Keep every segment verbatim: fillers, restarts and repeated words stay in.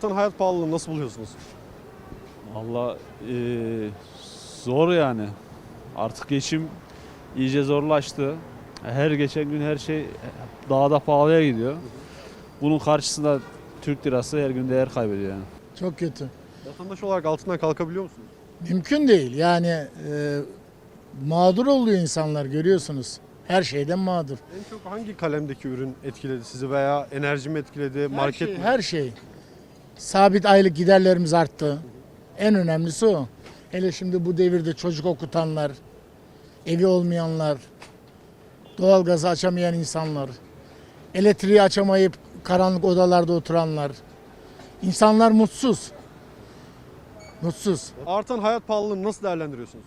Artan hayat pahalılığını nasıl buluyorsunuz? Valla eee, zor yani. Artık geçim iyice zorlaştı. Her geçen gün her şey daha da pahalıya gidiyor. Bunun karşısında Türk lirası her gün değer kaybediyor yani. Çok kötü. Vatandaş olarak altından kalkabiliyor musunuz? Mümkün değil. Yani e, mağdur oluyor insanlar, görüyorsunuz. Her şeyden mağdur. En çok hangi kalemdeki ürün etkiledi sizi veya enerji mi etkiledi, Her market şey, mi? her şey. Sabit aylık giderlerimiz arttı. En önemlisi o. Hele şimdi bu devirde çocuk okutanlar, evi olmayanlar, doğalgazı açamayan insanlar, elektriği açamayıp karanlık odalarda oturanlar. İnsanlar mutsuz. Mutsuz. Artan hayat pahalılığını nasıl değerlendiriyorsunuz?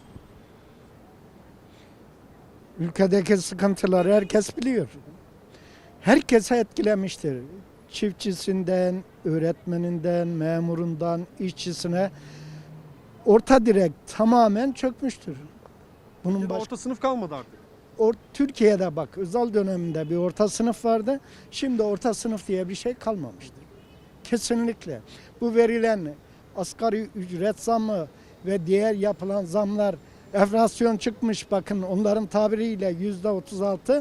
Ülkedeki sıkıntıları herkes biliyor. Herkese etkilemiştir. Çiftçisinden, öğretmeninden, memurundan, işçisine orta direk tamamen çökmüştür. Bunun Türkiye'de baş... orta sınıf kalmadı artık. Or- Türkiye'de bak özel döneminde bir orta sınıf vardı. Şimdi orta sınıf diye bir şey kalmamıştır. Kesinlikle. Bu verilen asgari ücret zammı ve diğer yapılan zamlar, enflasyon çıkmış, bakın onların tabiriyle yüzde otuz altı,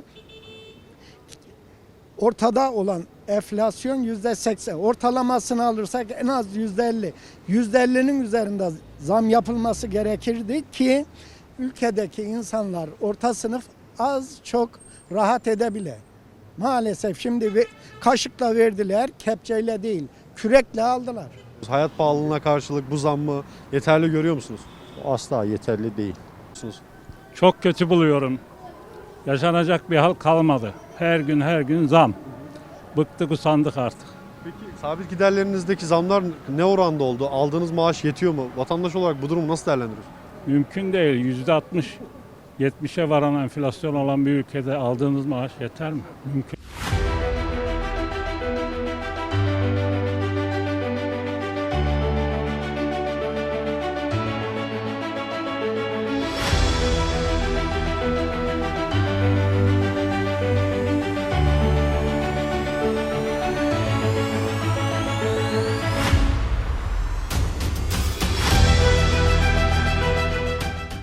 ortada olan enflasyon yüzde seksen, ortalamasını alırsak en az yüzde elli. Yüzde ellinin üzerinde zam yapılması gerekirdi ki ülkedeki insanlar, orta sınıf az çok rahat edebile. Maalesef şimdi bir kaşıkla verdiler, kepçeyle değil, kürekle aldılar. Hayat pahalılığına karşılık bu zammı yeterli görüyor musunuz? Asla yeterli değil. Çok kötü buluyorum. Yaşanacak bir hal kalmadı. Her gün her gün zam. Bıktık usandık artık. Peki sabit giderlerinizdeki zamlar ne oranda oldu? Aldığınız maaş yetiyor mu? Vatandaş olarak bu durumu nasıl değerlendiriyorsunuz? Mümkün değil. yüzde altmış yetmişe varan enflasyon olan bir ülkede aldığınız maaş yeter mi? Mümkün.